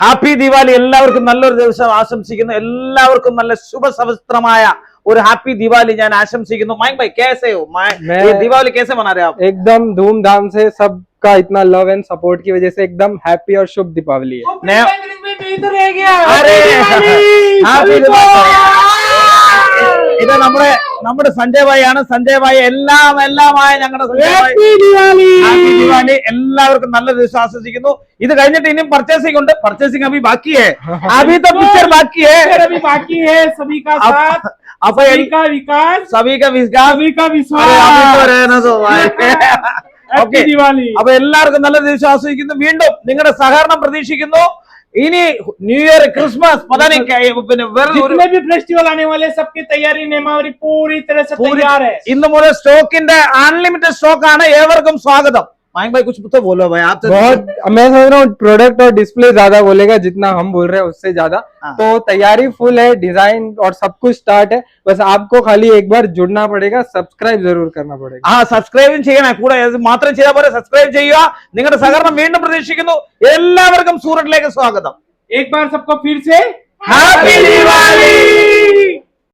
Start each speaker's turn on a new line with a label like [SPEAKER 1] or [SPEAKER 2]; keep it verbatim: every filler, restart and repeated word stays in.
[SPEAKER 1] Happy Diwali. എല്ലാവർക്കും നല്ലൊരു ദിവസം ആശംസിക്കുന്നു. എല്ലാവർക്കും നല്ല ശുഭസവസ്ത്രമായ और हैप्पी दिवाली जान आशंसिക്കുന്നു. माइक भाई कैसे हो? मैं ये दिवाली कैसे मना रहे हो आप?
[SPEAKER 2] एकदम धूमधाम से, सबका इतना लव एंड सपोर्ट की वजह से एकदम हैप्पी और शुभ दीपावली है.
[SPEAKER 1] अरे हैप्पी ഇത് നമ്മുടെ നമ്മുടെ സഞ്ജയ് ഭായി ആണ്. സഞ്ജയ് ഭായി എല്ലാം എല്ലാമായ ഞങ്ങളുടെ ഹാപ്പി ദിവാലി. എല്ലാവർക്കും നല്ല ദിവസം ആശംസിക്കുന്നു. ഇത് കഴിഞ്ഞിട്ട് ഇനിയും പർച്ചേസിംഗ് ഉണ്ട്. പർച്ചേസിംഗ് അഭി ബാക്കി ഹേ, അഭി तो पिक्चर बाकी है,
[SPEAKER 3] अभी बाकी है. सभी का साथ,
[SPEAKER 1] അപ്പൊ
[SPEAKER 3] सभी का विकास,
[SPEAKER 1] सभी का विकास,
[SPEAKER 3] सभी का विश्वास.
[SPEAKER 1] ഓക്കെ, അപ്പൊ എല്ലാവർക്കും നല്ല ദിവസം ആസ്വദിക്കുന്നു. വീണ്ടും നിങ്ങളുടെ സഹകരണം പ്രതീക്ഷിക്കുന്നു. इनी न्यू ईयर क्रिसमस पता नहीं क्या
[SPEAKER 3] जितने भी फेस्टिवल आने वाले सबकी तैयारी नेमावरी पूरी तरह से तैयार है.
[SPEAKER 1] इन मुझे स्टॉक इन अनलिमिटेड स्टॉक आना एवर्कम स्वागतम. माइक भाई कुछ तो बोलो भाई आप.
[SPEAKER 2] बहुत मैं सोच रहा हूँ प्रोडक्ट और डिस्प्ले ज्यादा बोलेगा जितना हम बोल रहे हैं उससे ज्यादा. तो तैयारी फुल है, डिजाइन और सब कुछ स्टार्ट है. बस आपको खाली एक बार जुड़ना पड़ेगा, सब्सक्राइब जरूर करना पड़ेगा.
[SPEAKER 1] हाँ, सब्सक्राइब ചെയ്യണം. കൂടെ മാത്രം ചെയ്താൽ പോരെ, സബ്സ്ക്രൈബ് ചെയ്യുക. നിങ്ങളുടെ സഹകരണം വീണ്ടും പ്രതീക്ഷിക്കുന്നു. എല്ലാവർക്കും സൂറത്തിലേക്ക് സ്വാഗതം.
[SPEAKER 3] एक बार सबको फिर से
[SPEAKER 1] हैप्पी दिवाली.